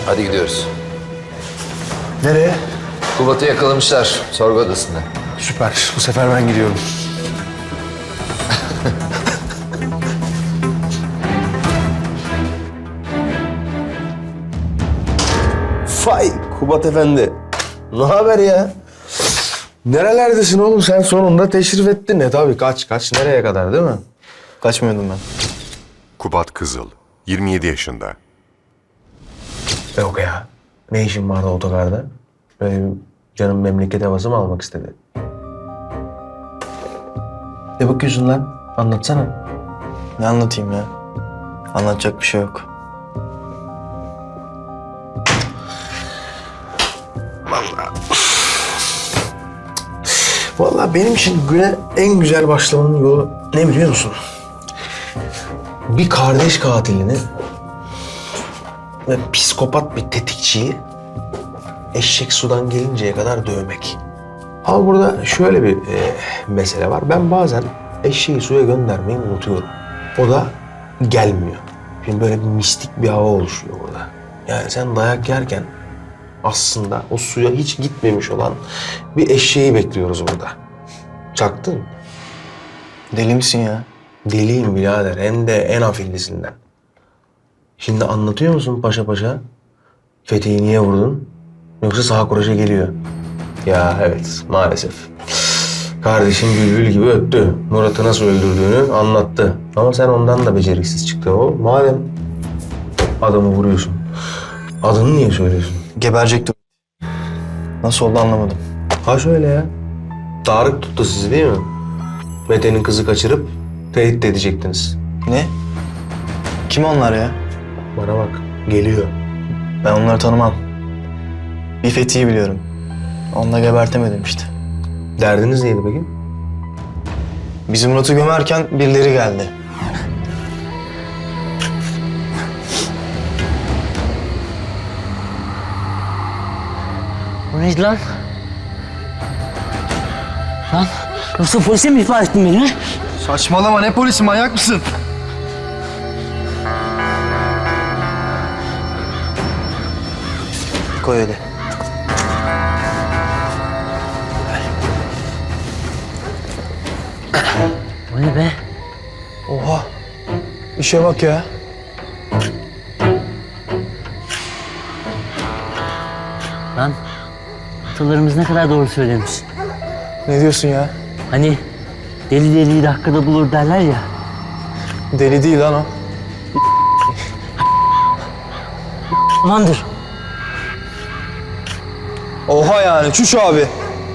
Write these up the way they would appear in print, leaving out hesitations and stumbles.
Hadi gidiyoruz. Nereye? Kubat'ı yakalamışlar sorgu odasında. Süper. Bu sefer ben gidiyorum. Vay Kubat Efendi. Ne haber ya? Nerelerdesin oğlum? Sen sonunda teşrif ettin. Tabii kaç nereye kadar değil mi? Kaçmıyordum ben. Kubat Kızıl, 27 yaşında. Yok ya. Ne işin vardı otogarda? Böyle canım memleket havası mı almak istedi? Ne bakıyorsun lan? Anlatsana. Ne anlatayım ya? Anlatacak bir şey yok. Vallahi benim için güne en güzel başlamanın yolu ne biliyor musun? Bir kardeş katilini ve psikopat bir tetikçiyi eşek sudan gelinceye kadar dövmek. Ama burada şöyle bir mesele var. Ben bazen eşeği suya göndermeyi unutuyorum. O da gelmiyor. Şimdi böyle bir mistik bir hava oluşuyor burada. Yani sen dayak yerken aslında o suya hiç gitmemiş olan bir eşeği bekliyoruz burada. Çaktın. Deli misin ya? Deliyim birader. Hem de en afillisinden. Şimdi anlatıyor musun paşa paşa? Fethi'yi niye vurdun? Yoksa sağ kuraşa geliyor. Ya evet maalesef. Kardeşim bülbül gibi öttü. Murat'ı nasıl öldürdüğünü anlattı. Ama sen ondan da beceriksiz çıktın o. Madem adamı vuruyorsun. Adını niye söylüyorsun? Geberecektim. Nasıl oldu anlamadım. Ha şöyle ya. Tarık tuttu sizi değil mi? Mete'nin kızı kaçırıp tehdit edecektiniz. Ne? Kim onlar ya? Bana bak geliyor. Ben onları tanımam. Bir Fethi'yi biliyorum. Onu da gebertemedim işte. Derdiniz neydi peki? Bizim Murat'ı gömerken birileri geldi. O neydi lan? Lan yoksa polise mi ihbar ettin beni? Saçmalama, ne polisi, manyak mısın? Koy öyle. O ne be? Oha. İşe bak ya. Lan atalarımız ne kadar doğru söylemiş. Ne diyorsun ya? Hani deli deliyi dakikada bulur derler ya. Deli değil lan o. Amandır. Oha yani, çüş abi.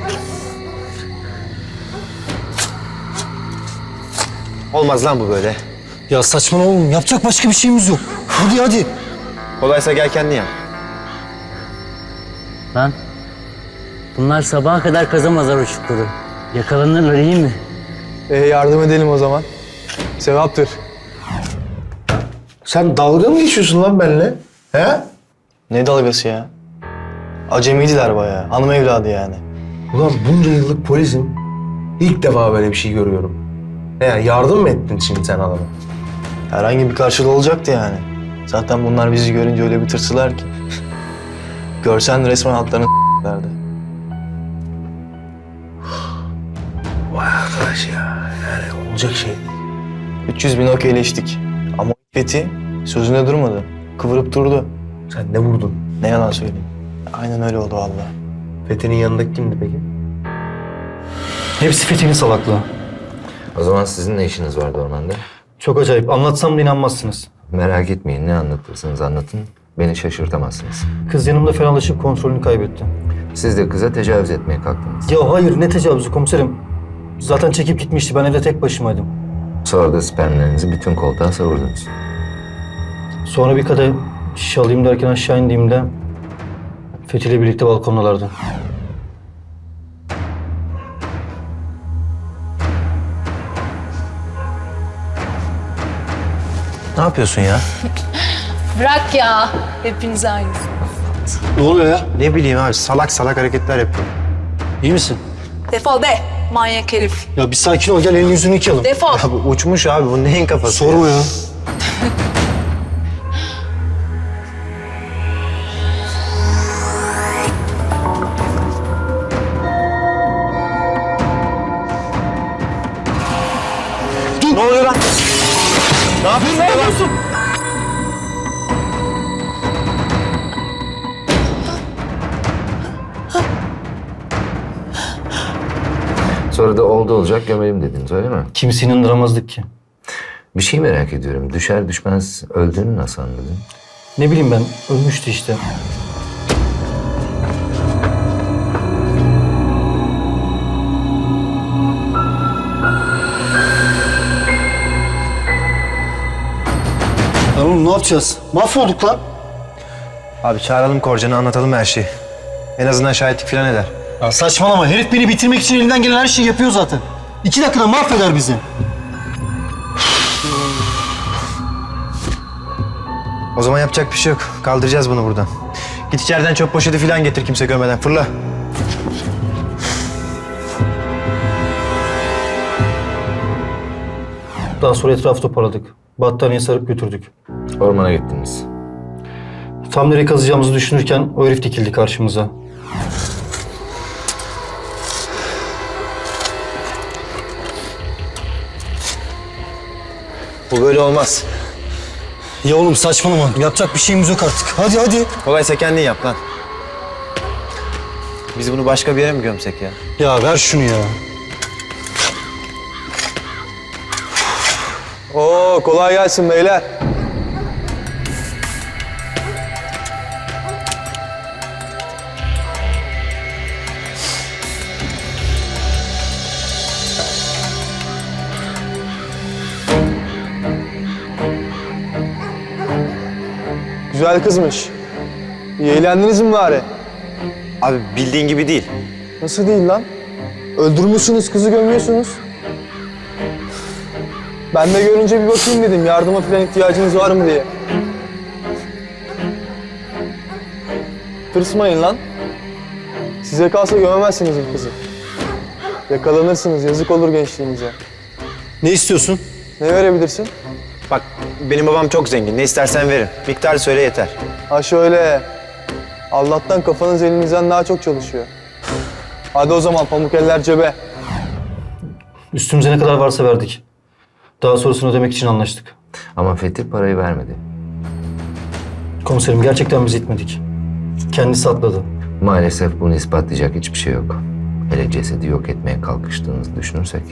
Olmaz lan bu böyle. Ya saçmalama oğlum. Yapacak başka bir şeyimiz yok. Hadi. Kolaysa gel kendin yap. Lan bunlar sabaha kadar kazamazlar o çukuru. Yakalanırlar iyi mi? Yardım edelim o zaman. Sevaptır. Sen dalga mı geçiyorsun lan benimle? He? Ne dalgası ya? Acemiydiler bayağı. Hanım evladı yani. Ulan bunca yıllık polisim. İlk defa böyle bir şey görüyorum. Yani yardım mı ettin şimdi sen adama? Herhangi bir karşılığı olacaktı yani. Zaten bunlar bizi görünce öyle bir tırsılar ki. Görsen resmen altlarını derdi. Vay arkadaş ya. Yani olacak şey değil. 300 bin okeyleştik. Ama Fethi sözünde durmadı. Kıvırıp durdu. Sen ne vurdun? Ne yalan söyleyeyim. Aynen öyle oldu vallahi. Fethi'nin yanındaki kimdi peki? Hepsi Fethi'nin salaklığı. O zaman sizin ne işiniz vardı ormanda? Çok acayip. Anlatsam da inanmazsınız. Merak etmeyin, ne anlatırsınız anlatın. Beni şaşırtamazsınız. Kız yanımda fenalaşıp kontrolünü kaybetti. Siz de kıza tecavüz etmeye kalktınız. Ya hayır, ne tecavüzü komiserim. Zaten çekip gitmişti. Ben evde tek başımaydım. Sonra da spermlerinizi bütün koltuğa savurdunuz. Sonra bir kadeh şişe alayım derken aşağı indiğimde Fethi ile birlikte balkondalardı. Ne yapıyorsun ya? Bırak ya. Hepiniz aynısınız. Ne oluyor ya? Ne bileyim abi salak salak hareketler yapıyor. İyi misin? Defol be manyak herif. Ya bir sakin ol. Gel elini yüzünü yıkayalım. Defol. Abi uçmuş abi bu neyin kafası? Sorma ya. Sonra da oldu olacak gömelim dediniz öyle mi? Kimseyi inandıramazdık ki. Bir şey merak ediyorum. Düşer düşmez öldüğünü nasıl anladın? Ne bileyim ben, ölmüştü işte. Lan oğlum ne yapacağız? Mahvolduk lan. Abi çağıralım Korcan'ı, anlatalım her şeyi. En azından şahitlik falan eder. Ya saçmalama. Herif beni bitirmek için elinden gelen her şeyi yapıyor zaten. 2 dakikada mahveder bizi. O zaman yapacak bir şey yok. Kaldıracağız bunu buradan. Git içeriden çöp poşeti falan getir kimse görmeden. Fırla. Daha sonra etrafı toparladık. Battaniye sarıp götürdük. Ormana gittiniz. Tam nereye kazacağımızı düşünürken o herif dikildi karşımıza. Bu böyle olmaz. Ya oğlum saçmalama. Yapacak bir şeyimiz yok artık. Hadi hadi. Kolaysa kendin yap lan. Biz bunu başka bir yere mi gömsek ya? Ya ver şunu ya. Oo, kolay gelsin beyler. Güzel kızmış. İyi eğlendiniz mi bari? Abi bildiğin gibi değil. Nasıl değil lan? Öldürmüşsünüz, kızı gömüyorsunuz. Ben de görünce bir bakayım dedim, yardıma falan ihtiyacınız var mı diye. Tırsmayın lan. Size kalsa gömemezsiniz bu kızı. Yakalanırsınız, yazık olur gençliğinize. Ne istiyorsun? Ne verebilirsin? Bak benim babam çok zengin. Ne istersen verin. Miktar söyle yeter. Ha şöyle. Allah'tan kafanız elinizden daha çok çalışıyor. Hadi o zaman pamuk eller cebe. Üstümüze ne kadar varsa verdik. Daha sonrasını ödemek için anlaştık. Ama Fethi parayı vermedi. Komiserim gerçekten biz itmedik. Kendisi atladı. Maalesef bunu ispatlayacak hiçbir şey yok. Hele cesedi yok etmeye kalkıştığınızı düşünürsek.